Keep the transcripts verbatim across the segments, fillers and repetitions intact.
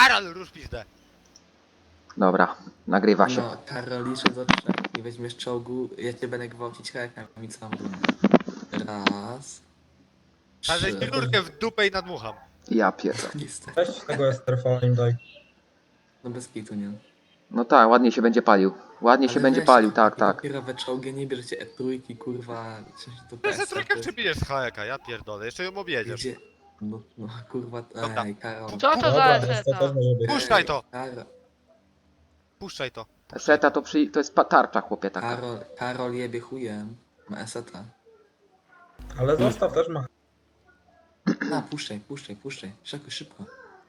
Karol, rusz pizdę. Dobra, nagrywa się. No, Karol, liczę do trzech i weźmiesz czołgu, ja cię będę gwałcić rękami całą rundę. Raz. A żeś Trzy. mi rurkę w dupę i nadmucham. Ja pierdolę. Niestety. Weź z tego Esterfala im daj. No bez kitu, nie? No tak, ładnie się będzie palił. Ładnie się Ale będzie weź, palił, no, tak, tak. Dopiero we czołgie nie bierzecie E trójki, kurwa, coś to Ty ze pesa, trójkę to jest- przebijesz z hajeka, ja pierdolę, jeszcze ją objedziesz. Gdzie? No, no kurwa, Dobra. ej, Karol. Co to za Dobra, to eseta? też może być. Puszczaj to. Karol, Puszczaj to. Seta to przy... to jest pa- tarcza, chłopie, taka. Karol, Karol jebie chujem. Ma eseta. Ale zostaw też ma. A, puszczaj, puszczaj, puszczaj. Szybko, szybko.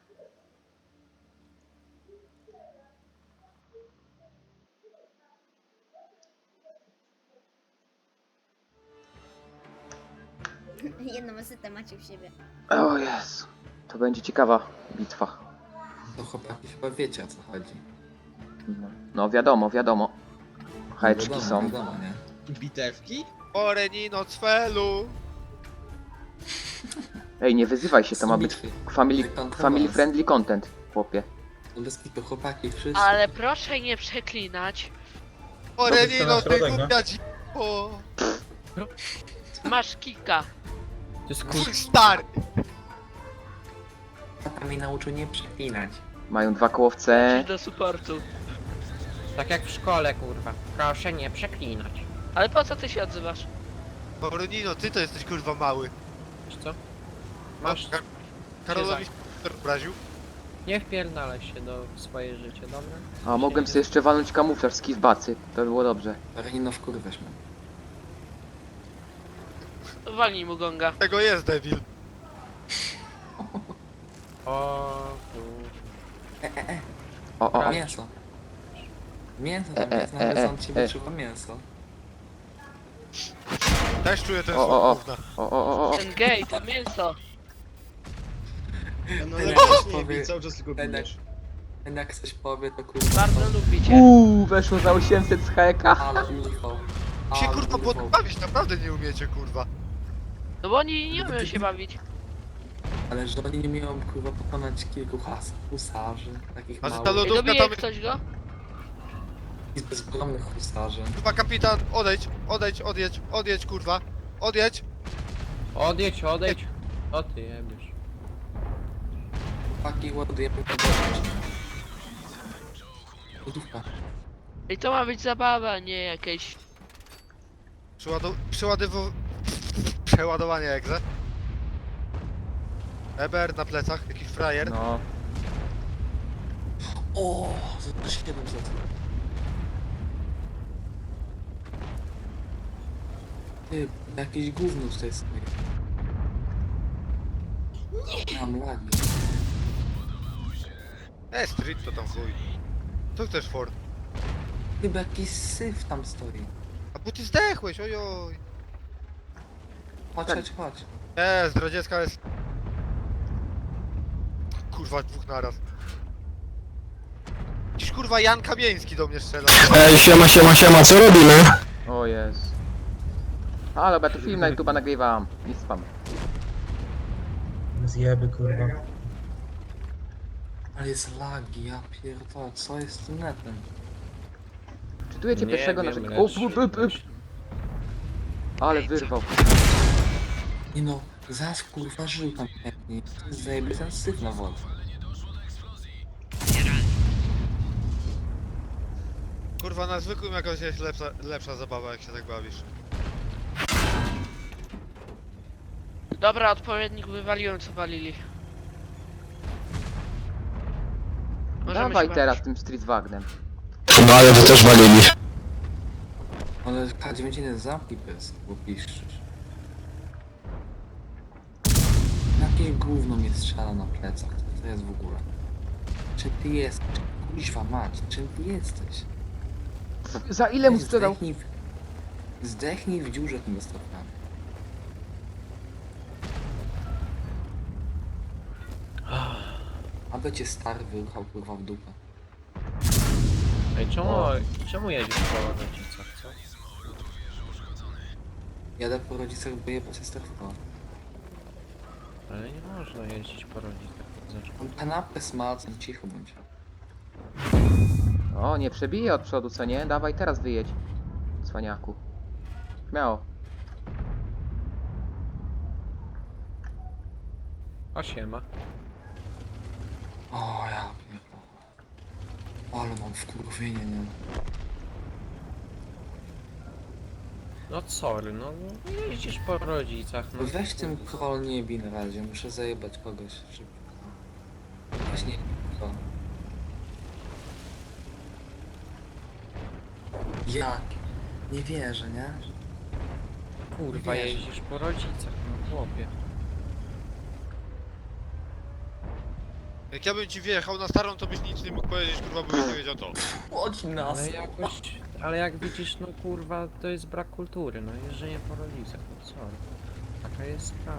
Jedną esetę macie w siebie. O Jezu. To będzie ciekawa bitwa. To chłopaki chyba wiecie, o co chodzi. No, no wiadomo, wiadomo. Hajeczki wiadomo, są. Wiadomo, nie? Bitewki? Orenino cfelu. Ej, nie wyzywaj się, to ma być Bitwy. family, Wykontrolować. family friendly content, chłopie. No bez kitu, chłopaki, wszyscy. Ale proszę nie przeklinać. Orenino, na ty środek, no. głupia dziwo. Masz kika. To jest Twój stary. Tata mi nauczył nie przeklinać. Mają dwa kołowce. Idź do supportu. tak jak w szkole, kurwa. Proszę nie przeklinać. Ale po co ty się odzywasz? Orenino, ty to jesteś kurwa mały. Wiesz co? Masz... Kar- Karolowi się obraził. Nie wpierdalaj się do swoje życie, dobra? A mogłem sobie jeszcze walnąć kamuflaż z kizbacy. To by było dobrze. Renino wkurwiasz mnie. Walnij mu gonga. Tego jest debil. O kurwa. E, e, e, O, o, o. mięso. Mięso tam E, e, jest, e, nagle e, on ci e. wyczuwa mięso. Też czuję ten O, o, o. słów gówna. O, o, o, o. Ten gej, to mięso. No Ten ale jak też coś nie powie- bij, cały czas tylko ten jak- bijesz. ten jak coś powie, to kurwa. Bardzo lubicie. Uuu, weszło za osiemset z heka. Ale urwał. Się Ale kurwa urwał. podbawić, naprawdę nie umiecie kurwa. No bo oni nie umieją się bawić. Ale że oni nie umieją kurwa pokonać kilku has, husarzy, takich A że ta małych lod- Ej, Lodówka dobije tam- ktoś go? i bezbronnych husarzy. Kurwa kapitan, odejdź, odejdź, odjedź, odjedź kurwa. Odjedź. Odejdź, odejdź. O ty jebiesz. Chłopaki ładujemy podłożyć. Lodówka. I to ma być zabawa, nie jakieś... Przeładow... Przeładow... Przeładowanie egze. Eber na plecach, jakiś frajer. No. O, za siedemset. Ty, jakieś gówno tutaj stoi. Nie! Mam lagi. E, street to tam chuj. Co chcesz Ford? Chyba jakiś syf tam stoi. A bo ty zdechłeś, ojoj. Chodź, Tak. chodź, chodź. Nie, zdradziecka jest... Kurwa, dwóch naraz. Dziś kurwa Jan Kamieński do mnie strzela. Ej, siema, siema, siema, co robimy? O jest. A dobra, to film na YouTube'a nagrywam. Nie spam. Zjeby, kurwa. Ale jest lagi, ja pierdolę, co jest z tym netem? Czytujecie Nie pierwszego wiem, naszego... lecz- O, p, p, p. Ale wyrwał. Nie no, zaś kurwa żył tam chętnie. Zajebie ten syf na wodę. Kurwa, na zwykłym jakoś jest lepsza, lepsza zabawa, jak się tak bawisz. Dobra, odpowiednik wywaliłem co walili. Możemy Dawaj się teraz bawić. tym Street Wagnem. No ale to też walili. Ale K dziewięćdziesiąt zamknij pys, bo piszczysz. Jakie gówno mnie strzela na plecach, co to jest w ogóle? Czym ty jesteś? Kuźwa mać, czym ty jesteś? Za ile mu Weź sprzedał? Zdechnij w, zdechnij w dziurze tym stopniami. Aby cię stary wyruchał kurwa w dupę. Ej, czemu, czemu jedziesz po rodzicach, co? Jadę po rodzicach, bo je po sesterstwo. Ale nie można jeździć po rodzicach. zacznę. On kanapę smalcem, cicho bądź. O, nie przebije od przodu, co nie? Dawaj, teraz wyjedź. Cwaniaku. Śmiało. A siema. O ja pierdolę. Ale mam wkurwienie, nie? No sorry, no no, jeździsz po rodzicach, no. Weź tym król nie bij na razie, muszę zajebać kogoś szybko. Właśnie to. Jak? Nie wierzę, nie? Kurwa, wiesz. jeździsz po rodzicach, no chłopie. Jak ja bym ci wjechał na starą, to byś nic nie mógł powiedzieć, kurwa, bo byś nie wiedział to. Łodź nas! Ale jakoś, ale jak widzisz, no kurwa, to jest brak kultury, no jeżdżenie po rodzicach, no sorry. Taka jest sprawa.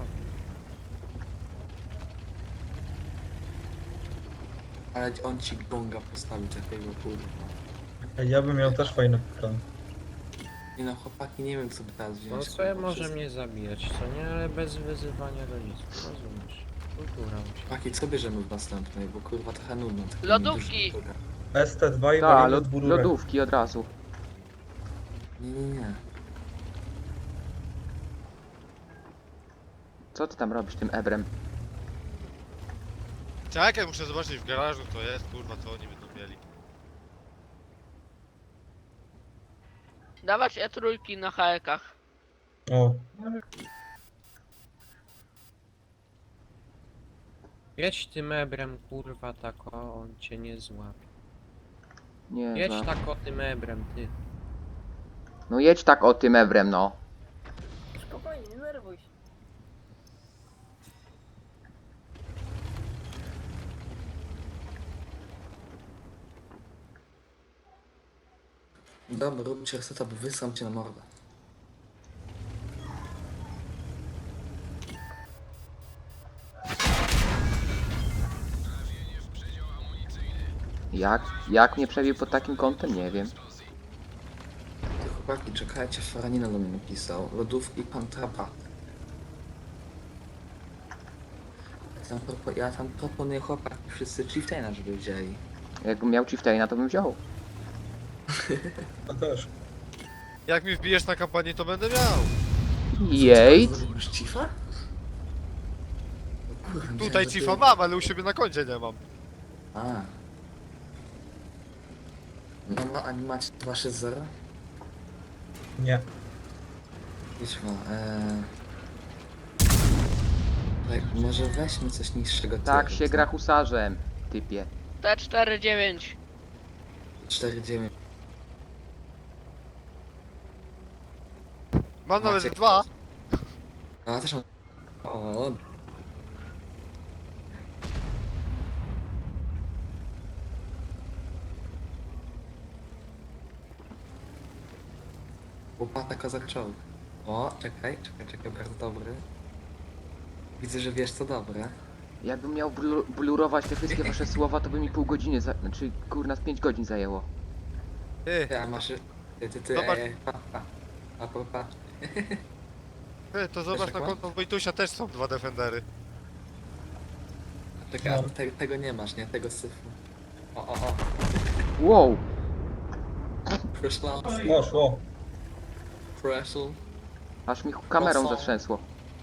Ale on ci gonga postawi takiego kurwa. Ej, ja bym miał też fajny plan. Nie no chłopaki, nie wiem co by teraz wziąć. No sobie kurwa, może wszystko. mnie zabijać, co nie? Ale bez wyzywania rodziców, rozumiesz? Kultura musi. Chłopaki, co bierzemy w następnej, bo kurwa trochę nudno. trochę Lodówki. dużo kultury. S T dwa i Ta, walimy lod, z bururek. lodówki od razu. Nie, nie, nie. Co ty tam robisz tym ebrem? Czekaj, muszę zobaczyć w garażu, to jest, kurwa, co oni będą mieli. Dawać E trójki na hajekach. O, Jedź tym ebrem, kurwa, tak o, on cię nie złapie. Nie, Jedź za... tak o tym ebrem, ty. No jedź tak o tym ebrem, no. Spokojnie, nie nerwuj się. Dobra, róbcie reseta, bo wysram cię na mordę. Jak? Jak mnie przebił pod takim kątem? Nie wiem. Ty chłopaki, czekajcie, Faranina do mnie napisał. Lodówki pan Trapat. Ja tam, propo- ja tam proponuję chłopaki wszyscy Chieftaina, żeby wzięli. Jakbym miał Chieftaina, to bym wziął. to też. Jak mi wbijesz na kampanię, to będę miał. Jej! Zrobisz Chiefa? O kurwa, myślałem, Tutaj że cifa ty- mam, ale u siebie na koncie nie mam. A. No, no, a nie macie dwa sześć zero? Nie. Idź ma, eee... Tak, może weźmy coś niższego Tak tieru, się co? gra husarzem, typie. T cztery dziewięć. cztery dziewięć. Mam nawet Macie- dwa. A ja też mam... O. Łopata kozak czołg. O, czekaj, czekaj, czekaj, bardzo dobry. Widzę, że wiesz co dobre. Jakbym miał blu blurować te wszystkie wasze słowa, to by mi pół godziny, za... znaczy kurna z pięć godzin zajęło. Ty, Ty, a masz... Ty, ty, ty, Zobacz. ej, pa, pa. A, pa, pa. ty, to zobacz na Wiesz, jak konto Wojtusia też są dwa defendery. Czekaj, a No. te, tego nie masz, nie? Tego syfu. O, o, o. Wow! Preszlał. Poszło. Preszl. Aż mi kamerą Mocno. zatrzęsło.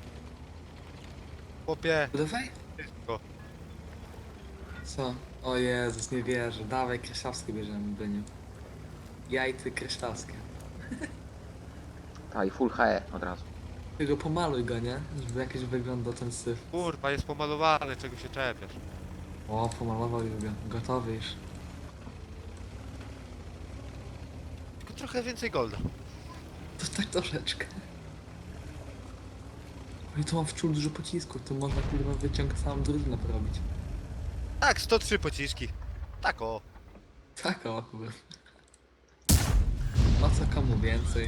Chłopie, Dawaj. wszystko. Co? O Jezus, nie wierzę. Dawaj, Kryształskie bierzemy, Byniu. Ja i ty Kryształskie. Ta i full H E od razu. Tylko pomaluj go, nie? Żeby jakiś wyglądał ten syf. Kurwa, jest pomalowany, czego się czepiasz. O, pomalował już go. Gotowy już. Tylko trochę więcej golda. To tak troszeczkę. Oj, tu mam wczół dużo pocisków, to można kurwa wyciąg całą drużynę porobić. Tak, sto trzy pociski. Tak o. Tak, o kurwa. No co komu więcej?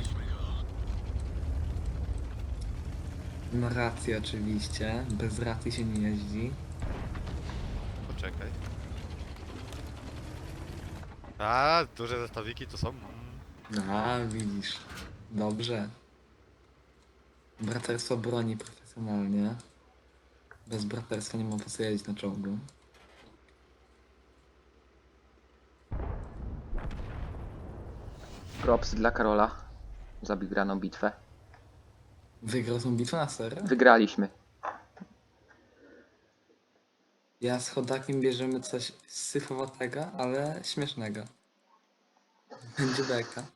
No racji oczywiście, bez racji się nie jeździ. Poczekaj. A, duże zestawiki to są. A, widzisz. Dobrze. Braterstwo broni profesjonalnie. Bez braterstwa nie mam po co jeździć na czołgu. Props dla Karola za wygraną bitwę. Wygrał tą bitwę na serio? Wygraliśmy. Ja z chodakiem bierzemy coś syfowatego, ale śmiesznego. Będzie beka.